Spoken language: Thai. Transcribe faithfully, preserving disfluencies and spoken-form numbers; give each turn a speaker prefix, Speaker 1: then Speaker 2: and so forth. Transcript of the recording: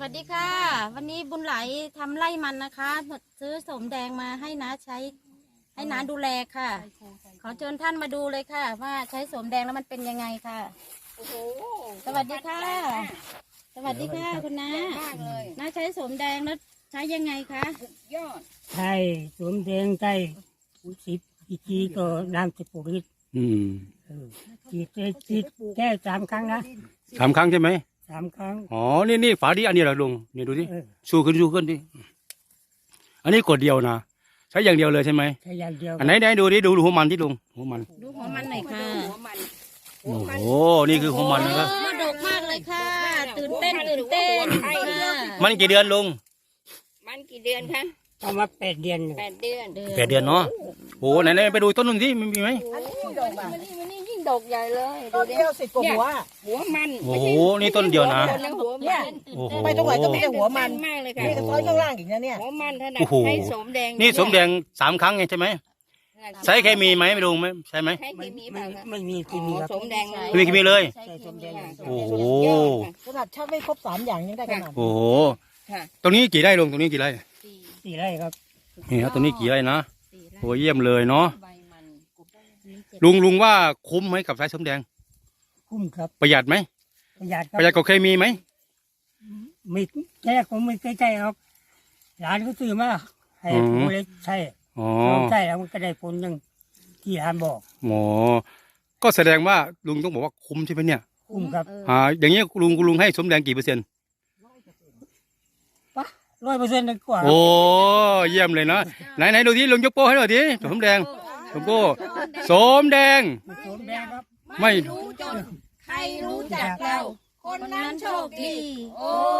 Speaker 1: วัสดีค่ะวันนี้บุญไหลทำไร่มันนะคะซื้อสมแดงมาให้น้าใช้ให้น้าดูแลค่ะขอเชิญท่านมาดูเลยค่ะว่าใช้สมแดงแล้วมันเป็นยังไงค่ะโอ้โหสวัสดีค่ะสวัสดีค่ะคุณน้าน้าใช้สมแดงแล้วใช้ยังไงคะยอด
Speaker 2: ใช่สมแดงใช่สิบอีกทีก็น้ำสิบปุริต
Speaker 3: อืม
Speaker 2: ฉีดฉีดแค่สามครั้งนะ
Speaker 3: สามครั้งใช่ไหม
Speaker 2: สามครั้ง
Speaker 3: อ๋อนี่นี่ฝาดีอันนี้เหรอลุงนี่ดูดิชูขึ้นชูขึ้นดิอันนี้กดเดียวนะใช้อย่างเดียวเลยใช่ไหม
Speaker 2: ใช้อย่างเดียว
Speaker 3: อันไหนไหนดูดิดูหัวมันที่ลุงหัวมัน
Speaker 1: ดูหัวมันหน่อยค่ะ
Speaker 3: โอ้โหนี่คือหัวมันนะครับ
Speaker 1: มาดกมากเลยค่ะตื่นเต้นตื่นเต้น
Speaker 3: มันกี่เดือนลุง
Speaker 1: มันกี่เดือนคะ
Speaker 2: ประมาณแปดเดือน
Speaker 1: แปดเดือน
Speaker 3: แปดเดือนเนาะโอ้ไหนไหนไปดูต้นนึงที่มีไหม
Speaker 1: ดอกใหญ่เลย
Speaker 4: ต้นเดียวสิบกว่าหัว
Speaker 1: หัวมัน
Speaker 3: โอ้โหนี่ต้นเดียวนะ
Speaker 4: เนี่ยไปตรงไหนก็มีแต่หัวมัน
Speaker 1: มากเลยค่ะ
Speaker 4: มีแต่ซ้อยข้างล่างอีกนะเนี่ย
Speaker 1: หัวมันถนัดใช้สมแดง
Speaker 3: นี่สมแดงสามครั้งไงใช่ไหมใช้เคมีไหมไม่รู้ไหมใช่ไหม
Speaker 1: ใช้เคมีเปล่า
Speaker 2: ไม่มีเคมีครับ
Speaker 1: สมแดง
Speaker 3: ไม่มีเคมีเลยโอ้โห
Speaker 4: ขนาดชักไม่ครบสามอย่างยังได้ขนาด
Speaker 3: โอ้โหตรงนี้กี่ไร่ลุงตรงนี้กี่ไร่
Speaker 2: สี่ไร่ครับ
Speaker 3: นี่ครับตรงนี้กี่ไร่นะโอ้เยี่ยมเลยเนาะลุงลุงว่าคุ้มไหมกับสายสมแดง
Speaker 2: คุ้มครับ
Speaker 3: ประหยัดไหม
Speaker 2: ประหยัดครับ
Speaker 3: ประหยัดกว่าเคมีไหม
Speaker 2: ไม่แค่ผมไม่ใกล้ๆครับหลานก็ซื้อมาให้ผมเลยใช่
Speaker 3: อ๋อ
Speaker 2: ใช่แล้วมันก็ได้ผลหนึ่งที่หลานบอก
Speaker 3: หมอก็แสดงว่าลุงต้องบอกว่าคุ้มใช่ไหมเนี่ย
Speaker 2: คุ้มครับ
Speaker 3: อ่าอย่างนี้ลุงลุงให้สมแดงกี่เปอร์เซ็นต์
Speaker 2: ปะร้อยเปอร์เซ็นต์กว่า
Speaker 3: โอ้เยี่ยมเลยนะไหนไหนดูที่ลุงยกโป้ให้หน่อยดิสมแดงสมโป้สมแดง
Speaker 2: สมแดงครับ
Speaker 3: ไม่
Speaker 1: รู้จนใครรู้จักเราคนนั้นโชคดีโอ้